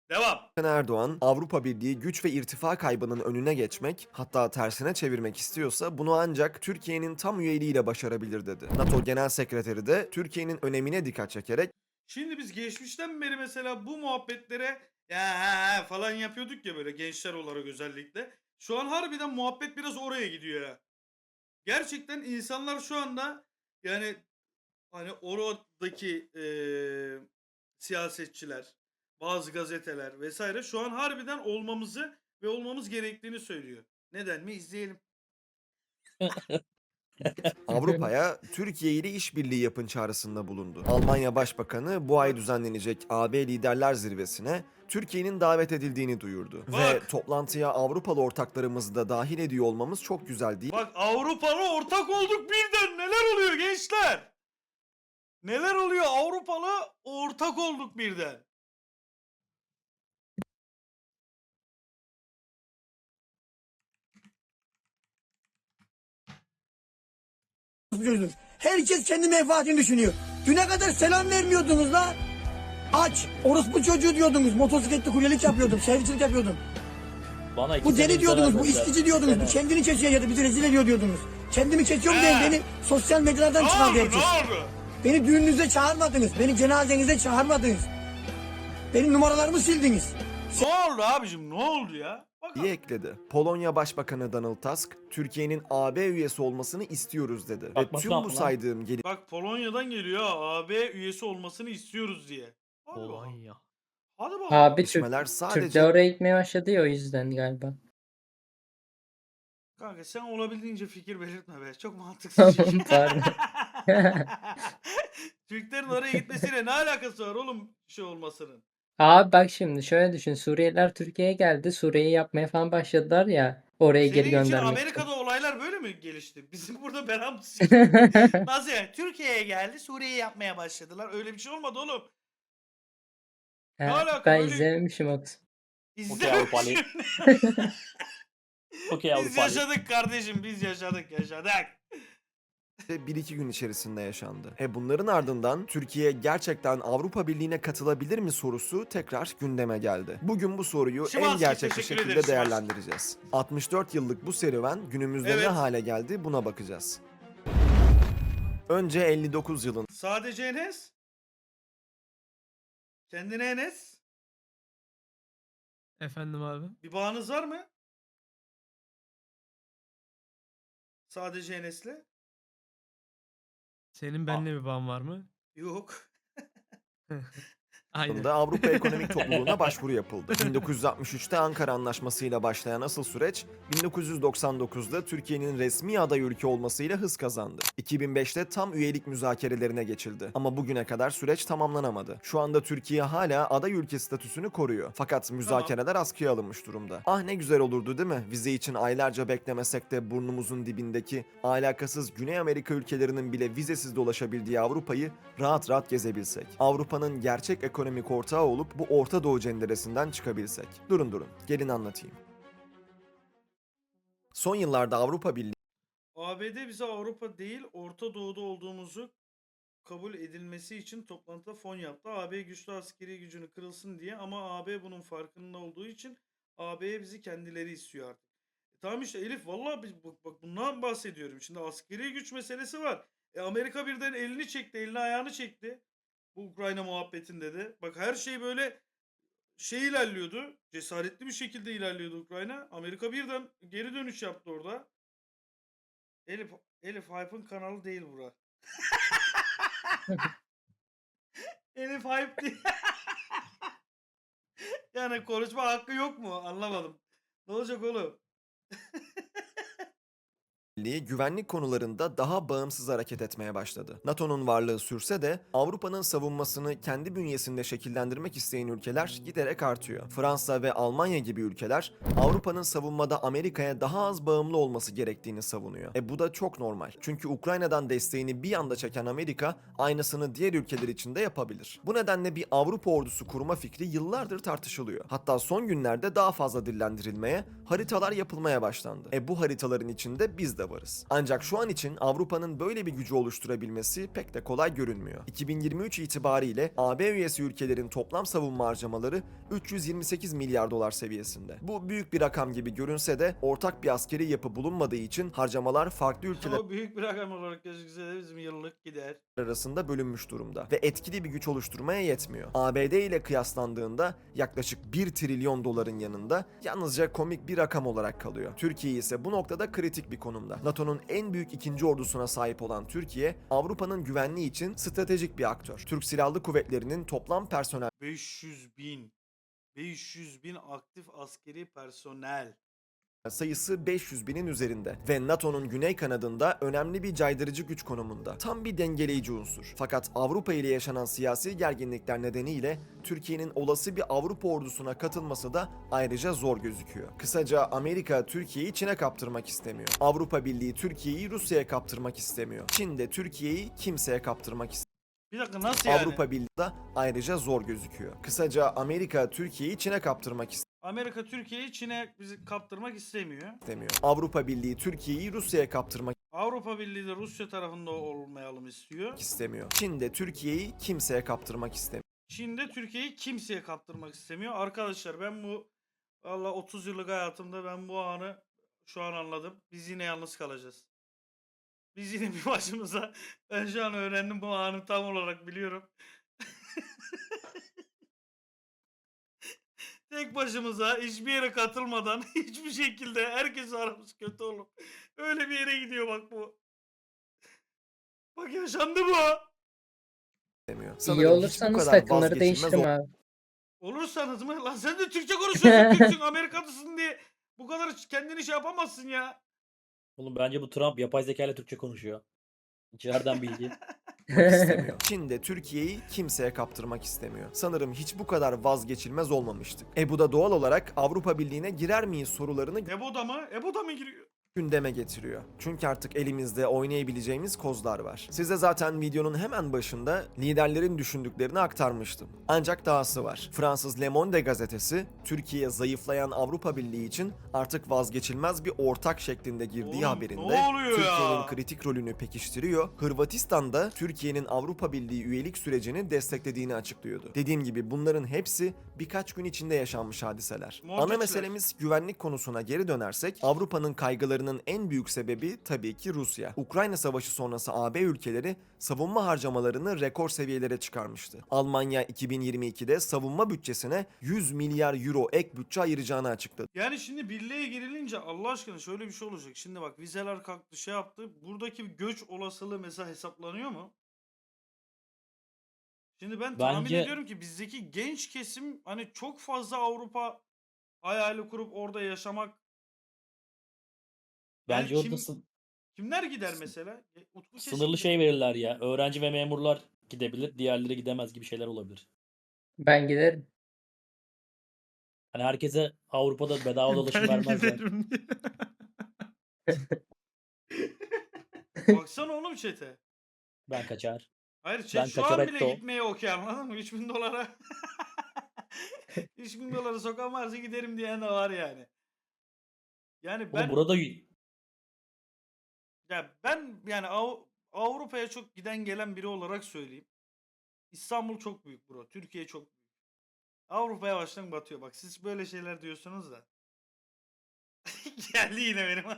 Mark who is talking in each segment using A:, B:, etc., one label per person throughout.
A: Devam.
B: Erdoğan, Avrupa Birliği güç ve irtifa kaybının önüne geçmek, hatta tersine çevirmek istiyorsa bunu ancak Türkiye'nin tam üyeliğiyle başarabilir dedi. NATO Genel Sekreteri de Türkiye'nin önemine dikkat çekerek
A: Şimdi biz geçmişten beri mesela bu muhabbetlere ya falan yapıyorduk ya böyle gençler olarak özellikle. Şu an harbiden muhabbet biraz oraya gidiyor ya. Gerçekten insanlar şu anda yani hani oradaki siyasetçiler, bazı gazeteler vesaire şu an harbiden olmamızı ve olmamız gerektiğini söylüyor. Neden mi? İzleyelim.
B: Avrupa'ya Türkiye ile işbirliği yapın çağrısında bulundu. Almanya Başbakanı bu ay düzenlenecek AB Liderler Zirvesi'ne Türkiye'nin davet edildiğini duyurdu. Ve
A: Bak.
B: toplantıya Avrupalı ortaklarımızı da dahil ediyor olmamız çok güzel değil
A: Bak Avrupalı ortak olduk birden. Neler oluyor gençler? Neler oluyor? Avrupalı ortak olduk birden.
C: Çocuğuz. Herkes kendi menfaatini düşünüyor. Düne kadar selam vermiyordunuz la. Aç. Orospu çocuğu diyordunuz. Motosikletli kuryelik yapıyordum. Servislik yapıyordum.
D: Bana iki
C: Bu
D: sene
C: deli diyordunuz. Bu
D: vermediler.
C: istici diyordunuz. Bu
D: İki sene.
C: kendini kesiyor ya da bizi rezil ediyor diyordunuz. Kendimi kesiyorum diye beni sosyal medyalardan
A: Ne
C: çıkardı
A: oldu?
C: herkes.
A: Ne oldu?
C: Beni düğününüze çağırmadınız. Beni cenazenize çağırmadınız. Benim numaralarımı sildiniz.
A: Ne oldu abicim? Ne oldu ya? Bak
B: diye ekledi. Polonya Başbakanı Donald Tusk, Türkiye'nin AB üyesi olmasını istiyoruz dedi. Ve
D: Bakması
B: tüm
D: ne
B: bu
D: yaptı lan?
B: saydığım
A: Bak Polonya'dan geliyor ha. AB üyesi olmasını istiyoruz diye. Hadi bakalım.
D: Polonya.
A: Hadi bakalım.
E: Abi Türk
B: gelişmeler
E: de
B: sadece
E: oraya gitmeye başladı ya o yüzden galiba.
A: Kanka sen olabildiğince fikir belirtme be. Çok mantıksız çünkü.
E: Pardon.
A: Türklerin oraya gitmesiyle ne alakası var oğlum şey olmasının?
E: Abi bak şimdi şöyle düşün. Suriyeliler Türkiye'ye geldi. Suriye'yi yapmaya falan başladılar ya. Oraya geri
A: Senin için
E: göndermek için.
A: Amerika'da olaylar böyle mi gelişti? Bizim burada belamız Nasıl yani? Türkiye'ye geldi, Suriye'yi yapmaya başladılar. Öyle bir şey olmadı oğlum. Ne
E: Ha,
A: alaka
E: ben
A: böyle
E: izlememişim o kısmı.
D: Okey Avrupalı.
A: İzlememişim.
D: Okey
A: Biz
D: Avrupalı.
A: yaşadık kardeşim, biz yaşadık.
B: 1-2 gün içerisinde yaşandı. Bunların ardından Türkiye gerçekten Avrupa Birliği'ne katılabilir mi sorusu tekrar gündeme geldi. Bugün bu soruyu
A: Şimanski,
B: en gerçekçi
A: teşekkür
B: şekilde
A: ederiz Şimanski.
B: değerlendireceğiz. 64 yıllık bu serüven günümüzde ne
A: Evet.
B: hale geldi buna bakacağız. Önce 59 yılında
A: Sadece Enes. Kendine Enes.
F: Efendim abi.
A: Bir bağınız var mı? Sadece Enes'le.
F: Senin benimle bir bağın var mı?
A: Yok.
F: Aynen.
B: Avrupa Ekonomik Topluluğu'na başvuru yapıldı. 1963'te Ankara Anlaşması'yla başlayan asıl süreç 1999'da Türkiye'nin resmi aday ülke olmasıyla hız kazandı. 2005'te tam üyelik müzakerelerine geçildi. Ama bugüne kadar süreç tamamlanamadı. Şu anda Türkiye hala aday ülke statüsünü koruyor. Fakat müzakereler askıya alınmış durumda. Ah ne güzel olurdu değil mi? Vize için aylarca beklemesek de burnumuzun dibindeki alakasız Güney Amerika ülkelerinin bile vizesiz dolaşabildiği Avrupa'yı rahat rahat gezebilsek. Avrupa'nın gerçek ekonomik ortağı olup bu Orta Doğu cenderesinden çıkabilsek. Durun, gelin anlatayım. Son yıllarda Avrupa Birliği
A: ABD bize Avrupa değil Orta Doğu'da olduğumuzu kabul edilmesi için toplantıda fon yaptı. AB güçlü askeri gücünü kırılsın diye ama AB bunun farkında olduğu için AB'ye bizi kendileri istiyor artık. Tamam işte Elif vallahi bak bundan bahsediyorum. Şimdi askeri güç meselesi var. Amerika birden elini çekti, elini ayağını çekti. Bu Ukrayna muhabbetinde de. Bak her şey böyle ilerliyordu. Cesaretli bir şekilde ilerliyordu Ukrayna. Amerika birden geri dönüş yaptı orada. Elif Hype'ın kanalı değil bura. Elif Hype değil. Yani konuşma hakkı yok mu? Anlamadım. Ne olacak oğlum?
B: güvenlik konularında daha bağımsız hareket etmeye başladı. NATO'nun varlığı sürse de Avrupa'nın savunmasını kendi bünyesinde şekillendirmek isteyen ülkeler giderek artıyor. Fransa ve Almanya gibi ülkeler Avrupa'nın savunmada Amerika'ya daha az bağımlı olması gerektiğini savunuyor. Bu da çok normal. Çünkü Ukrayna'dan desteğini bir anda çeken Amerika aynısını diğer ülkeler için de yapabilir. Bu nedenle bir Avrupa ordusu kurma fikri yıllardır tartışılıyor. Hatta son günlerde daha fazla dillendirilmeye, haritalar yapılmaya başlandı. Bu haritaların içinde biz de de varız. Ancak şu an için Avrupa'nın böyle bir gücü oluşturabilmesi pek de kolay görünmüyor. 2023 itibariyle AB üyesi ülkelerin toplam savunma harcamaları 328 milyar dolar seviyesinde. Bu büyük bir rakam gibi görünse de ortak bir askeri yapı bulunmadığı için harcamalar farklı ülkeler
A: O büyük bir rakam olarak gözükse de bizim yıllık gider.
B: arasında bölünmüş durumda ve etkili bir güç oluşturmaya yetmiyor. ABD ile kıyaslandığında yaklaşık 1 trilyon doların yanında yalnızca komik bir rakam olarak kalıyor. Türkiye ise bu noktada kritik bir konumda. NATO'nun en büyük ikinci ordusuna sahip olan Türkiye, Avrupa'nın güvenliği için stratejik bir aktör. Türk Silahlı Kuvvetleri'nin toplam personel
A: 500 bin aktif askeri personel.
B: sayısı 500 binin üzerinde ve NATO'nun güney kanadında önemli bir caydırıcı güç konumunda. Tam bir dengeleyici unsur. Fakat Avrupa ile yaşanan siyasi gerginlikler nedeniyle Türkiye'nin olası bir Avrupa ordusuna katılması da ayrıca zor gözüküyor. Kısaca Amerika Türkiye'yi Çin'e kaptırmak istemiyor. Avrupa Birliği Türkiye'yi Rusya'ya kaptırmak istemiyor. Çin de Türkiye'yi kimseye kaptırmak istemiyor.
A: Bir dakika nasıl yani?
B: Avrupa Birliği de ayrıca zor gözüküyor. Kısaca Amerika Türkiye'yi Çin'e kaptırmak
A: Amerika Türkiye'yi Çin'e bizi kaptırmak istemiyor.
B: istemiyor. Avrupa Birliği Türkiye'yi Rusya'ya kaptırmak
A: Avrupa Birliği de Rusya tarafında olmayalım istiyor.
B: istemiyor. Çin de Türkiye'yi kimseye kaptırmak istemiyor.
A: Çin de Türkiye'yi kimseye kaptırmak istemiyor. Arkadaşlar ben bu valla 30 yıllık hayatımda ben bu anı şu an anladım. Biz yine yalnız kalacağız. Biz yine bir başımıza, ben şu an öğrendim bu anı tam olarak biliyorum. Tek başımıza hiçbir yere katılmadan hiçbir şekilde herkes aramız kötü olup öyle bir yere gidiyor bak bu. Bak yaşandı bu.
B: istemiyor.
E: İyi
B: Sanırım hiç bu
E: olursanız
B: kadar
E: takımları
B: vazgeçilmez
E: değiştirin abi.
A: Olursanız mı? Lan sen de Türkçe konuşuyorsun. Türksün, Amerikalısın diye bu kadar kendini şey yapamazsın ya.
D: Oğlum bence bu Trump yapay zeka ile Türkçe konuşuyor. Nereden bildi?
B: istemiyor. Çin de Türkiye'yi kimseye kaptırmak istemiyor. Sanırım hiç bu kadar vazgeçilmez olmamıştık. Bu da doğal olarak Avrupa Birliği'ne girer miyiz sorularını
A: Ebo'da mı? Ebo'da mı giriyor?
B: gündeme getiriyor. Çünkü artık elimizde oynayabileceğimiz kozlar var. Size zaten videonun hemen başında liderlerin düşündüklerini aktarmıştım. Ancak dahası var. Fransız Le Monde gazetesi, Türkiye zayıflayan Avrupa Birliği için artık vazgeçilmez bir ortak şeklinde girdiği
A: Oğlum,
B: haberinde
A: ne oluyor
B: Türkiye'nin
A: ya?
B: kritik rolünü pekiştiriyor. Hırvatistan da Türkiye'nin Avrupa Birliği üyelik sürecini desteklediğini açıklıyordu. Dediğim gibi bunların hepsi birkaç gün içinde yaşanmış hadiseler. Ana
A: Monteçler.
B: meselemiz güvenlik konusuna geri dönersek, Avrupa'nın kaygılarının en büyük sebebi tabii ki Rusya. Ukrayna Savaşı sonrası AB ülkeleri savunma harcamalarını rekor seviyelere çıkarmıştı. Almanya 2022'de savunma bütçesine 100 milyar euro ek bütçe ayıracağını açıkladı.
A: Yani şimdi birliğe girilince Allah aşkına şöyle bir şey olacak. Şimdi bak vizeler kalktı şey yaptı. Buradaki bir göç olasılığı mesela hesaplanıyor mu? Şimdi ben tahmin
D: Bence-
A: ediyorum ki bizdeki genç kesim hani çok fazla Avrupa hayali kurup orada yaşamak. Yani
D: Bence orada
A: kimler gider mesela? Utku kesin
D: sınırlı
A: gider.
D: şey verirler ya. Öğrenci ve memurlar gidebilir, diğerleri gidemez gibi şeyler olabilir.
E: Ben giderim.
D: Hani herkese Avrupa'da bedava dolaşım
A: Ben
D: vermezler.
A: giderim diye. Baksana oğlum chat'e.
D: Ben kaçar.
A: Hayır
D: Ben
A: chat şu an bile
D: kaçaretto.
A: gitmeye okey anladın mı? 3000 dolara 3000 dolara sokan varsa giderim diyen de var yani. Yani
D: Oğlum
A: ben
D: burada
A: yani Avrupa'ya çok giden gelen biri olarak söyleyeyim. İstanbul çok büyük bro. Türkiye çok büyük. Avrupa yavaştan batıyor. Bak siz böyle şeyler diyorsunuz da. Geldi yine benim.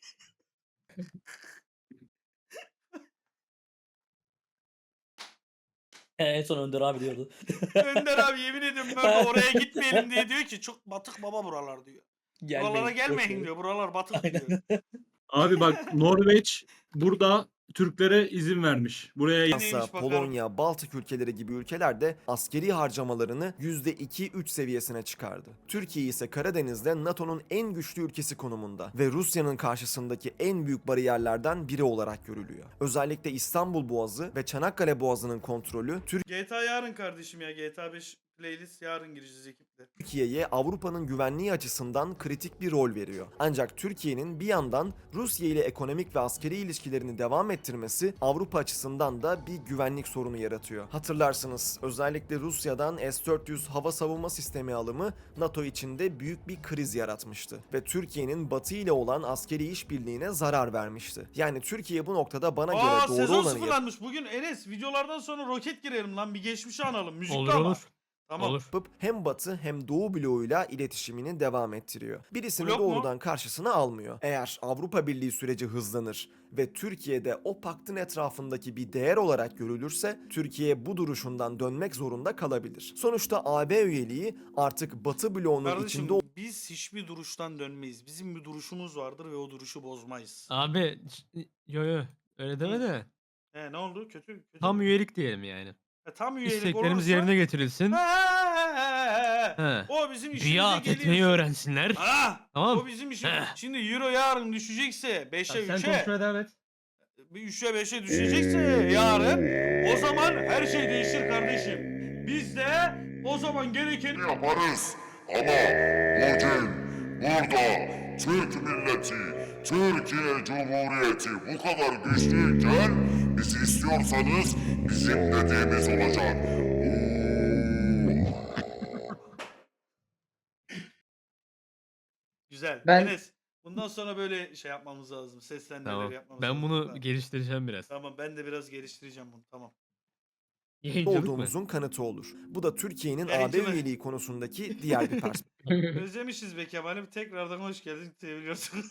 D: en son Önder abi diyordu.
A: Önder abi yemin ediyorum ben oraya gitmeyelim diye diyor ki çok batık baba buralar diyor. Buralara
D: Gelmeyin, boş
A: gelmeyin
D: verin.
A: diyor. Buralar batık
D: Aynen.
A: diyor.
F: Abi bak Norveç burada Türklere izin vermiş. Buraya
A: Neymiş
B: Fransa,
A: bakalım.
B: Polonya, Baltık ülkeleri gibi ülkeler de askeri harcamalarını %2-3 seviyesine çıkardı. Türkiye ise Karadeniz'de NATO'nun en güçlü ülkesi konumunda ve Rusya'nın karşısındaki en büyük bariyerlerden biri olarak görülüyor. Özellikle İstanbul Boğazı ve Çanakkale Boğazı'nın kontrolü
A: GTA yarın kardeşim ya. GTA 5 playlist yarın gireceğiz ekiple.
B: Türkiye'ye Avrupa'nın güvenliği açısından kritik bir rol veriyor. Ancak Türkiye'nin bir yandan Rusya ile ekonomik ve askeri ilişkilerini devam ettirmesi Avrupa açısından da bir güvenlik sorunu yaratıyor. Hatırlarsınız, özellikle Rusya'dan S-400 hava savunma sistemi alımı NATO içinde büyük bir kriz yaratmıştı ve Türkiye'nin Batı ile olan askeri işbirliğine zarar vermişti. Yani Türkiye bu noktada bana göre doğru
A: Sezon
B: olanı
A: sıfırlanmış. Bugün Enes videolardan sonra roket girelim lan. Bir geçmişi analım. Müzikli
F: Olur
A: ama.
F: olur.
A: Tamam.
F: Olur.
B: yapıp hem Batı hem Doğu bloğuyla iletişimini devam ettiriyor. Birisini
A: Blok mu?
B: doğrudan karşısına almıyor. Eğer Avrupa Birliği süreci hızlanır ve Türkiye'de o paktın etrafındaki bir değer olarak görülürse Türkiye bu duruşundan dönmek zorunda kalabilir. Sonuçta AB üyeliği artık Batı bloğunun
A: Kardeşim
B: içinde
A: biz hiçbir duruştan dönmeyiz. Bizim bir duruşumuz vardır ve o duruşu bozmayız.
G: Abi yo öyle deme de
A: Ne oldu? Kötü
G: tam
A: mü?
G: üyelik diyelim yani.
A: Tam üyelik
G: İsteklerimiz
A: olursa...
G: yerine getirilsin. He.
A: O bizim işimize
G: Biat etmeyi
A: geliyor.
G: öğrensinler.
A: O
G: Tamam.
A: bizim işim.
G: Heh.
A: Şimdi euro yarın düşecekse 5'e
G: Sen
A: 3'e
G: konuşmaya devam et.
A: bir 3'e 5'e düşecekse yarın o zaman her şey değişir kardeşim. Biz de o zaman gerekeni
H: yaparız. Ama bugün burada Türk milleti, Türkiye Cumhuriyeti bu kadar güçlüyken bizi istiyorsanız bizim dediğimiz olacak.
A: güzel.
E: Ben-
A: Enes, bundan sonra böyle şey yapmamız lazım. Seslendirmeleri
G: Tamam.
A: yapmamız
G: Ben
A: lazım.
G: bunu
A: Tamam.
G: geliştireceğim biraz.
A: Tamam ben de biraz geliştireceğim bunu. Tamam.
G: Yayıncılık mı?
B: olduğumuzun kanıtı olur. Bu da Türkiye'nin
A: Yayıncılık.
B: AB üyeliği konusundaki diğer bir perspektif.
A: Özlemişiz be Kemal'im. Tekrardan hoş geldin. Seviyorsun.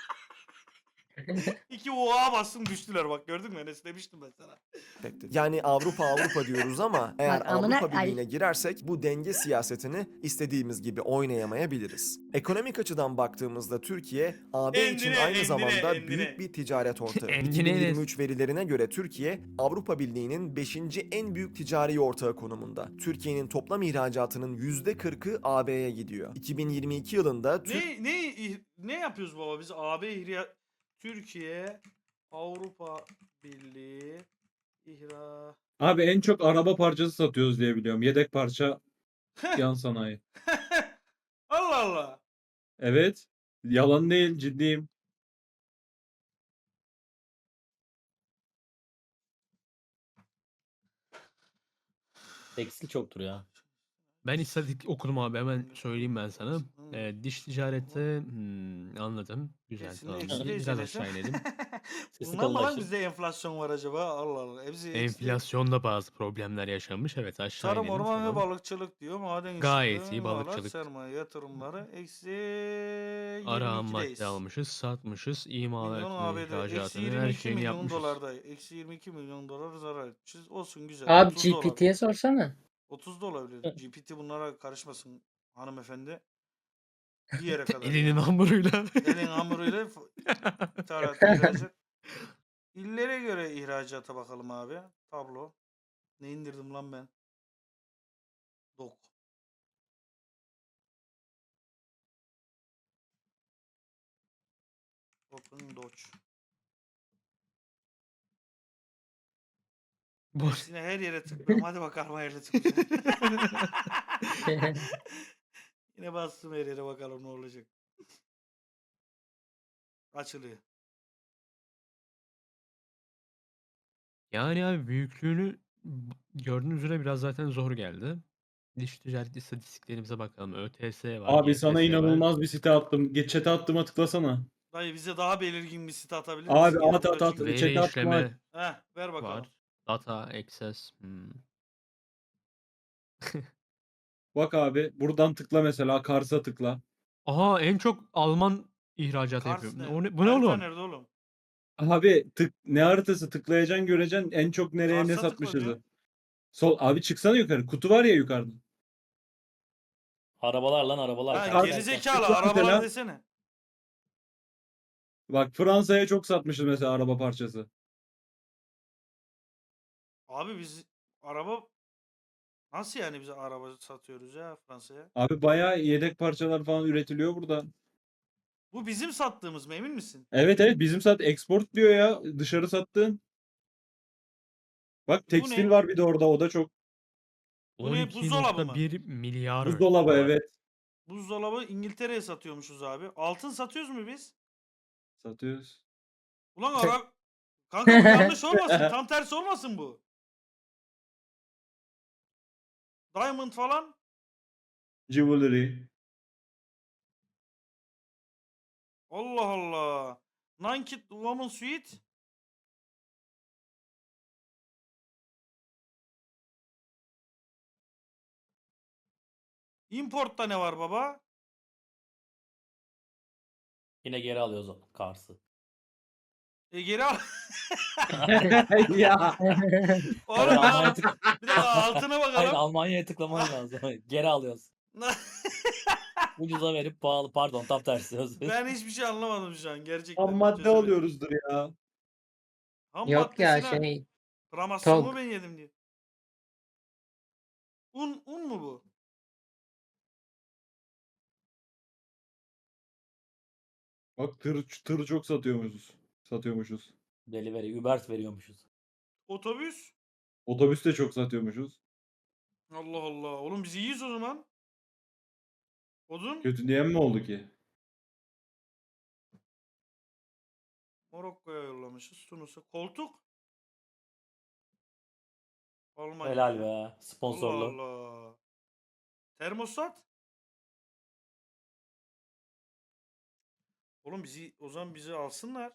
A: 2 oğa bastım düştüler bak gördün mü Enes demiştim ben sana.
B: Yani Avrupa diyoruz ama eğer
I: Bak, amına-
B: Avrupa
I: ay.
B: Birliği'ne girersek bu denge siyasetini istediğimiz gibi oynayamayabiliriz. Ekonomik açıdan baktığımızda Türkiye AB için
A: Endine,
B: aynı
A: endine,
B: zamanda
A: endine.
B: büyük bir ticaret ortağı.
G: Endine Enes.
B: 2023 verilerine göre Türkiye Avrupa Birliği'nin 5. en büyük ticari ortağı konumunda. Türkiye'nin toplam ihracatının %40'ı AB'ye gidiyor. 2022 yılında
A: Ne yapıyoruz baba biz AB Türkiye Avrupa Birliği
F: Abi en çok araba parçası satıyoruz diye biliyorum. Yedek parça yan sanayi.
A: Allah Allah.
F: Evet. Yalan değil, ciddiyim.
D: Tekstil çoktur ya.
G: Ben istatistik okudum abi, hemen söyleyeyim ben sana. Diş ticarette anladım. Güzel,
A: Kesin
G: tamam.
A: eksi
G: Biraz
A: değilse
G: aşağı inelim.
D: Sesi
A: Bundan mı lan
D: kalınlaştır.
A: bizde enflasyon var acaba? Allah Allah. Hepsi eksi.
G: Enflasyonda bazı problemler yaşanmış. Evet, aşağı
A: Tarım,
G: inelim.
A: orman ve
G: Tamam.
A: balıkçılık diyor. Maden
G: Gayet
A: işçiliği,
G: iyi,
A: imalat,
G: balıkçılık.
A: sermaye yatırımları eksi
G: Ara ham
A: 22'deyiz.
G: madde almışız, satmışız,
A: Milyon
G: imalatını,
A: ABD eksi
G: ihracatını, her
A: 22
G: şeyini
A: milyon
G: yapmışız.
A: dolarda. Eksi 22 milyon dolar zarar etmişiz. Olsun güzel.
E: Abi
A: 30 da olabilir.
E: GPT'ye sorsana.
A: 30 da olabilir. GPT bunlara karışmasın hanımefendi. Bir yere kadar.
G: Elinin hamuruyla.
A: Elin hamuruyla ithalat, ihracat. İllere göre ihracata bakalım abi. Tablo. Ne indirdim lan ben? Dok. Open Dodge.
G: Bu
A: Hepsine her yere tıklıyorum. Hadi bakalım her yere tıklayacağım. Yine bastım her yere bakalım ne olacak. Açılıyor.
G: yani abi büyüklüğünü gördüğünüz üzere biraz zaten zor geldi. Diş ticaret istatistiklerimize bakalım. ÖTS var,
F: Abi sana
G: YTS var.
F: inanılmaz bir site attım. Geç chat'e attığıma tıklasana.
A: Dayı bize daha belirgin bir site atabilir
F: Abi
A: misin?
F: at, at, at.
A: Çünkü-
G: Veri
F: Chat'e atma.
G: işleme
A: Ver bakalım.
G: var. Data access.
F: Bak abi buradan tıkla mesela. Kars'a tıkla.
G: Aha, en çok Alman ihracatı
A: Kars
G: yapıyor.
A: ne?
G: Bu ne
A: Harita
G: oğlum?
A: nerede oğlum?
F: Abi ne haritası tıklayacaksın göreceksin en çok nereye ne
A: Kars'a tıkla
F: satmışız.
A: diyor.
F: Sol abi çıksana yukarı. Kutu var ya yukarıda.
D: Arabalar lan arabalar.
A: Ha,
D: kanka.
A: gerizekalı
F: Tıkla
A: arabalar
F: mesela.
A: desene.
F: Bak Fransa'ya çok satmışız mesela araba parçası.
A: Abi biz araba nasıl yani biz araba satıyoruz ya Fransa'ya?
F: Abi bayağı yedek parçalar falan üretiliyor burada.
A: Bu bizim sattığımız mı emin misin?
F: Evet bizim export diyor ya. Dışarı sattığın. Bak
A: Bu
F: tekstil
A: ne?
F: var bir de orada. O da çok.
A: Bu ne, buzdolabı mı?
G: 12.1 milyar
F: Buzdolabı
G: dolar.
F: evet.
A: Buzdolabı İngiltere'ye satıyormuşuz abi. Altın satıyoruz mu biz?
F: Satıyoruz.
A: Ulan ara... Kanka bu yanlış olmasın. Tam tersi olmasın bu. Diamond falan.
F: Jewelry.
A: Allah Allah. Naked Woman Suite. Import'ta ne var baba?
D: Yine geri alıyoruz o Kars'ı.
A: Geri al.
F: Ya.
A: Oğlum
D: Hayır,
A: lan.
D: Almanya tık...
A: Bir dakika altına
D: Hayır,
A: bakalım.
D: Almanya'ya tıklaman lazım. Geri alıyoruz. Ucuza verip pahalı. Pardon, tam tersi. Özür dilerim.
A: Ben hiçbir şey anlamadım şu an gerçekten.
F: Ham madde
A: Çözemedim.
F: alıyoruzdur ya.
A: Ham
E: Yok ya
A: maddesine
E: şey
A: Ramasyonumu
E: Tog.
A: ben yedim diyor. Un mu bu?
F: Bak tır çok satıyormuşuz.
D: Delivery, Uber veriyormuşuz.
A: Otobüs.
F: Otobüs de çok satıyormuşuz.
A: Allah Allah. Oğlum biz iyiyiz o zaman. Odun.
F: Kötü diyen mi oldu ki?
A: Morokko'ya yollamışız. Tunus'a. Koltuk. Almanya.
D: Helal be.
A: Allah
D: Sponsorlu.
A: Allah. Termostat. Oğlum o zaman bizi alsınlar.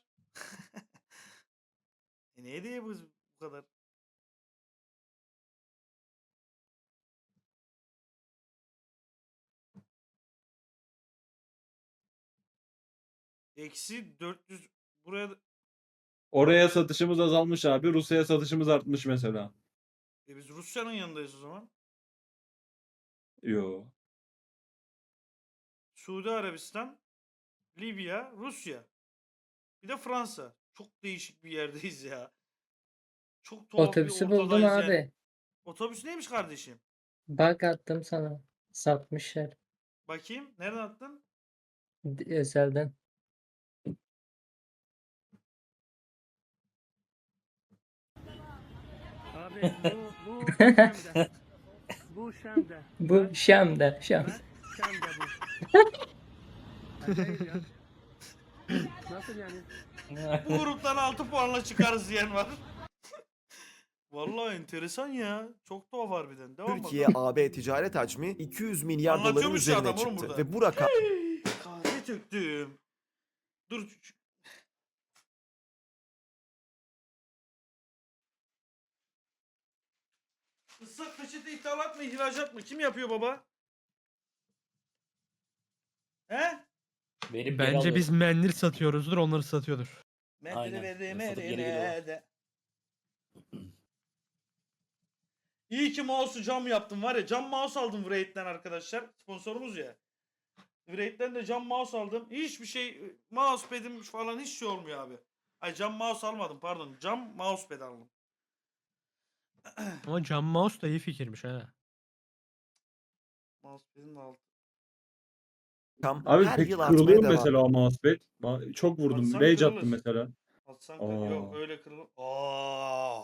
A: Ne diye bu kadar? Eksi 400 buraya
F: Oraya satışımız azalmış abi. Rusya'ya satışımız artmış mesela.
A: biz Rusya'nın yanındayız o zaman.
F: Yo.
A: Suudi Arabistan, Libya, Rusya. Bir de Fransa. Çok değişik bir yerdeyiz ya. Çok tuhaf bir
E: Otobüsü buldum
A: ortadayız yani.
E: abi.
A: Otobüs neymiş kardeşim?
E: Bak attım sana. Satmışlar.
A: Bakayım. Nereden attın?
E: Özelden.
I: Abi bu Şam'da. Bu Şam'da.
E: Bu Şam'da. Şam.
I: Şam'da bu. Acayip ya. Nasıl yani?
A: Bu gruptan 6 puanla çıkarız diyen var. Vallahi enteresan ya. Çok tuhaf harbiden. Devam
B: Türkiye
A: bakalım.
B: AB ticaret hacmi 200 milyar doların
A: Anlatıyormuş ya
B: üzerine
A: adam oğlum
B: çıktı
A: burada.
B: ve bu rakam
A: Kahve töktüm. Dur. Islak peçete ithalat mı ihracat mı? Kim yapıyor baba? He?
D: Verip geri
G: Bence
D: alıyoruz.
G: biz mendil satıyoruzdur, onları satıyordur.
D: Aynen.
A: Metre
D: Satıp geri geliyorlar.
A: de. İyi ki mouse'u cam yaptım var ya. Cam mouse aldım Wraith'ten arkadaşlar. Sponsorumuz ya. Wraith'ten de cam mouse aldım. Hiçbir şey mousepad'im falan hiç şey olmuyor abi. Ay cam mouse almadım pardon. Cam mousepad aldım.
G: Ama cam mouse da iyi fikirmiş ha.
A: Mousepad'in de altı.
F: Abi
B: her
F: peki
B: yıl
F: kırılıyor
B: artmaya
F: mu
B: devam.
F: mesela o mousepad? Çok vurdum.
A: Atsan
F: Rage
A: kırılır.
F: attım mesela.
A: Atsan
F: Aa.
A: yok öyle kırılır. Aa.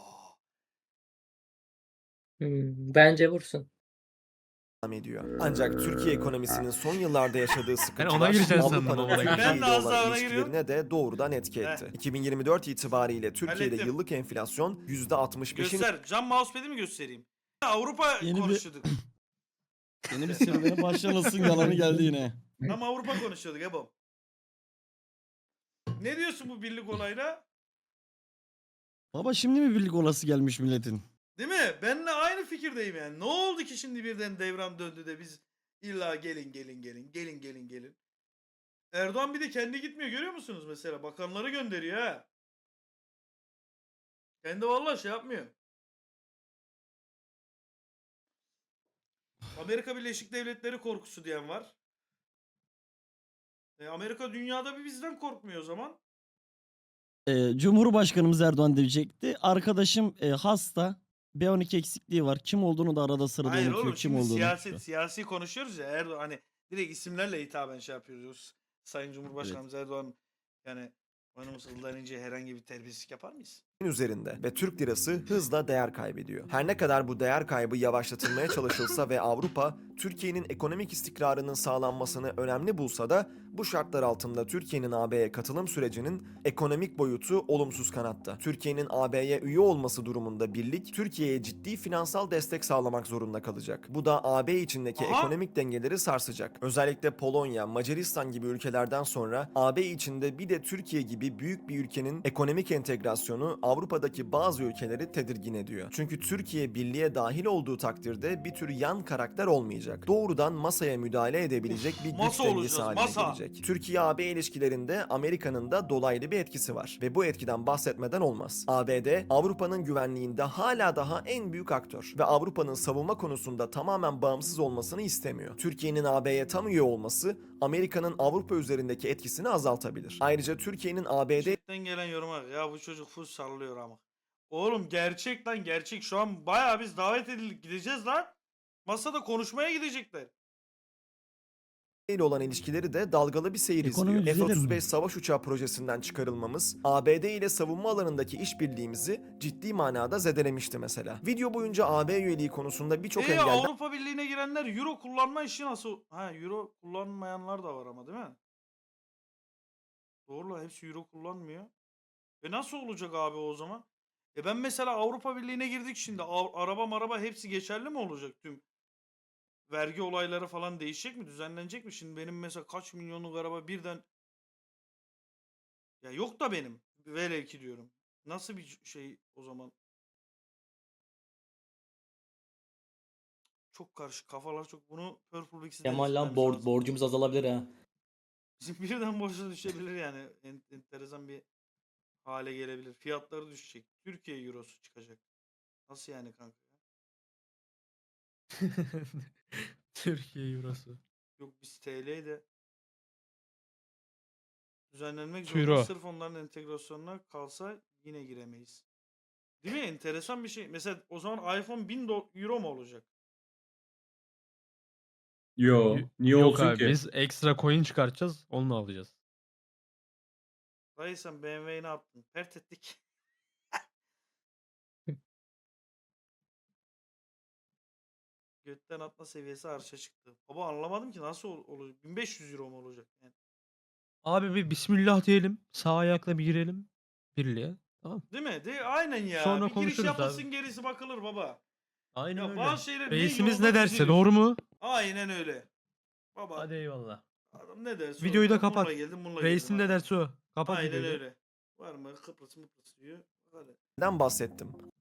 E: Bence vursun.
B: ediyor. Ancak Türkiye ekonomisinin son yıllarda yaşadığı
G: ona
B: sıkıntılar
G: gireceğim sandım
B: Avrupa'nın
G: ona
B: Türkiye
A: Ben de
B: ile
A: az daha
B: olan
A: ona giriyorum.
B: ilişkilerine de doğrudan etki etti. 2024 itibariyle Türkiye'de
A: Hallettim.
B: yıllık enflasyon %65'in
A: Göster. Cam mousepad'i mi göstereyim? Avrupa
J: Yeni bir-
A: konuşuyorduk.
J: Yeni bir serüvene başlamasın yalanı geldi yine.
A: Tam Avrupa konuşuyorduk Ebo. Ne diyorsun bu birlik olayla?
J: Baba şimdi mi birlik olası gelmiş milletin?
A: Değil mi? Benle aynı fikirdeyim yani. Ne oldu ki şimdi birden devran döndü de biz illa gelin. Erdoğan bir de kendi gitmiyor görüyor musunuz mesela? Bakanları gönderiyor ha. Kendi vallahi şey yapmıyor. Amerika Birleşik Devletleri korkusu diyen var. Amerika dünyada bir bizden korkmuyor o zaman.
J: Cumhurbaşkanımız Erdoğan diyecekti. Arkadaşım hasta. B12 eksikliği var. Kim olduğunu da arada sırada
A: Hayır
J: unutuyor.
A: oğlum
J: Kim
A: şimdi
J: olduğunu.
A: siyasi konuşuyoruz ya Erdoğan hani direkt isimlerle hitaben şey yapıyoruz. Sayın Cumhurbaşkanımız Erdoğan yani Hanımız Ildan İnce herhangi bir terbiyesizlik yapar mıyız?
B: üzerinde ve Türk lirası hızla değer kaybediyor. Her ne kadar bu değer kaybı yavaşlatılmaya çalışılsa ve Avrupa Türkiye'nin ekonomik istikrarının sağlanmasını önemli bulsa da bu şartlar altında Türkiye'nin AB'ye katılım sürecinin ekonomik boyutu olumsuz kanatta. Türkiye'nin AB'ye üye olması durumunda birlik Türkiye'ye ciddi finansal destek sağlamak zorunda kalacak. Bu da AB içindeki
A: Aha!
B: ekonomik dengeleri sarsacak. Özellikle Polonya, Macaristan gibi ülkelerden sonra AB içinde bir de Türkiye gibi büyük bir ülkenin ekonomik entegrasyonu Avrupa'daki bazı ülkeleri tedirgin ediyor. Çünkü Türkiye birliğe dahil olduğu takdirde bir tür yan karakter olmayacak. Doğrudan masaya müdahale edebilecek bir güç
A: masa
B: dengesi
A: olacağız,
B: haline
A: masa.
B: gelecek. Türkiye-AB ilişkilerinde Amerika'nın da dolaylı bir etkisi var ve bu etkiden bahsetmeden olmaz. ABD, Avrupa'nın güvenliğinde hala daha en büyük aktör ve Avrupa'nın savunma konusunda tamamen bağımsız olmasını istemiyor. Türkiye'nin AB'ye tam üye olması Amerika'nın Avrupa üzerindeki etkisini azaltabilir. Ayrıca Türkiye'nin ABD
A: Chatten gelen yoruma bak. Ya bu çocuk full sallıyor ama. Oğlum gerçek lan gerçek. Şu an bayağı biz davet edildik gideceğiz lan. Masada konuşmaya gidecekler.
B: ile olan ilişkileri de dalgalı bir seyir
J: Ekonomi
B: izliyor.
J: düzelir mi?
B: F-35 savaş uçağı projesinden çıkarılmamız, ABD ile savunma alanındaki işbirliğimizi ciddi manada zedelemişti mesela. Video boyunca AB üyeliği konusunda birçok engelden
A: Avrupa Birliği'ne girenler euro kullanma işi nasıl? Ha euro kullanmayanlar da var ama değil mi? Doğru lan hepsi euro kullanmıyor. Nasıl olacak abi o zaman? Ben mesela Avrupa Birliği'ne girdik şimdi. Araba maraba hepsi geçerli mi olacak tüm? Vergi olayları falan değişecek mi? Düzenlenecek mi? Şimdi benim mesela kaç milyonluk araba birden ya yok da benim. Velev ki diyorum. Nasıl bir şey o zaman? Çok karışık. Kafalar çok. Bunu Purple Bix'e
D: Kemal lan
A: denetlememiz lazım.
D: borcumuz azalabilir ha.
A: Bizim birden borca düşebilir yani. Enteresan bir hale gelebilir. Fiyatları düşecek. Türkiye Eurosu çıkacak. Nasıl yani kanka?
G: Türkiye Eurosu.
A: Yok biz TL'yi de düzenlenmek
G: Euro.
A: zorunda. Sırf onların entegrasyonuna kalsa yine giremeyiz. Değil mi? Enteresan bir şey. Mesela o zaman iPhone 1000 euro mu olacak?
F: Yo. Niye
G: Yok
F: olsun
G: abi
F: ki?
G: biz ekstra coin çıkartacağız. Onu alacağız.
A: Dayı sen BMW'yi ne yaptın? Pert ettik. Götten atma seviyesi arşa çıktı. Baba anlamadım ki nasıl olacak? 1500 euro mu olacak? Yani.
G: Abi bir bismillah diyelim. Sağ ayakla bir girelim birliğe. Tamam.
A: Değil mi? Aynen ya.
G: Sonra
A: bir giriş
G: konuşuruz
A: yapılsın
G: abi.
A: gerisi bakılır baba.
G: Aynen
A: Ya
G: öyle.
A: bazı şeyler niye
G: Reisimiz
A: yolda
G: ne derse
A: dizilir?
G: doğru mu?
A: Aynen öyle. Baba
G: Hadi eyvallah.
A: adam ne derse
G: Videoyu da
A: Bununla
G: kapat.
A: geldim, bununla
G: Reisin
A: geldim.
G: ne derse o. Kapat
A: Aynen
G: videoyu da.
A: öyle. Var mı Kıbrıs diyor. Hadi.
B: bahsettim.